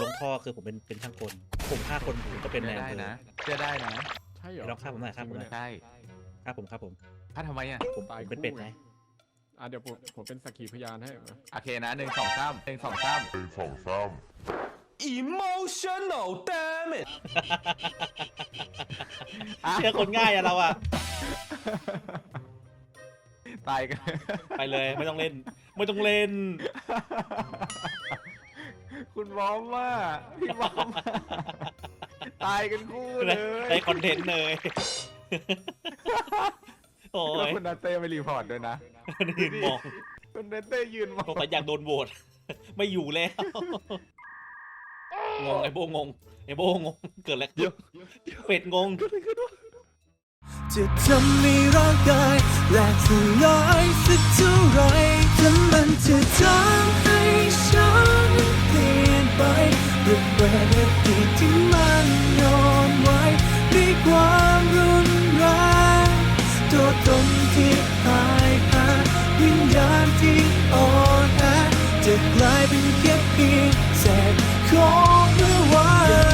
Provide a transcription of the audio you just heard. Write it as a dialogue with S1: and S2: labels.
S1: ลงท่อคือผมเป็นช่างกลผมฆ่าคนผมก็เป็นแนว
S2: ได้
S1: เลย
S2: นะเชื่อได้นะ
S3: ใช่เหรอ
S1: ลองฆ่าผมหน่อยฆ่าผมหน่อย
S2: ใช่
S1: ฆ่าผมฆ่าผม
S2: ถ้าทำไมอ่ะ
S1: ผม
S3: ตาย
S1: เป็นเป็ด
S3: คู่
S1: ไง
S3: เดี๋ยวผมเป็นสักขีพยานให้นะ
S2: โอเคนะ1 2 3
S4: Emotional damage
S1: เชื่อคนง่ายอะเราอะ
S2: ตายกัน
S1: ไปเลยไม่ต้องเล่น ไม่ต้องเล่น
S2: คุณบอมว่าพี่บอมตายกันคู่เลย
S1: ได้คอนเทนต์เลย โอ้
S2: แล้ว
S1: ย
S2: คุณนาเต้ไปรีพอร์ตด้วยนะ
S1: ยืนมอง
S2: คุณนาเต้ยืนมอง
S1: สงสัยอยากโดนโหวต ไม่อยู่แล้ว งงไอ้โบงงไอ้โบงงเกิดอะไรขึ้นเป็ดงง
S4: จะทำให้ร่างกายแหลกสลายสักเท่าไรถ้ามันจะทำให้ฉันเปลี่ยนไประเบิดอดีตที่มันย้อนไว้ด้วยความรุนแรงตัวตนที่พ่ายแพ้วิญญาณที่อ่อนแอจะกลายเป็นแค่เพียงเศษของเมื่อวาน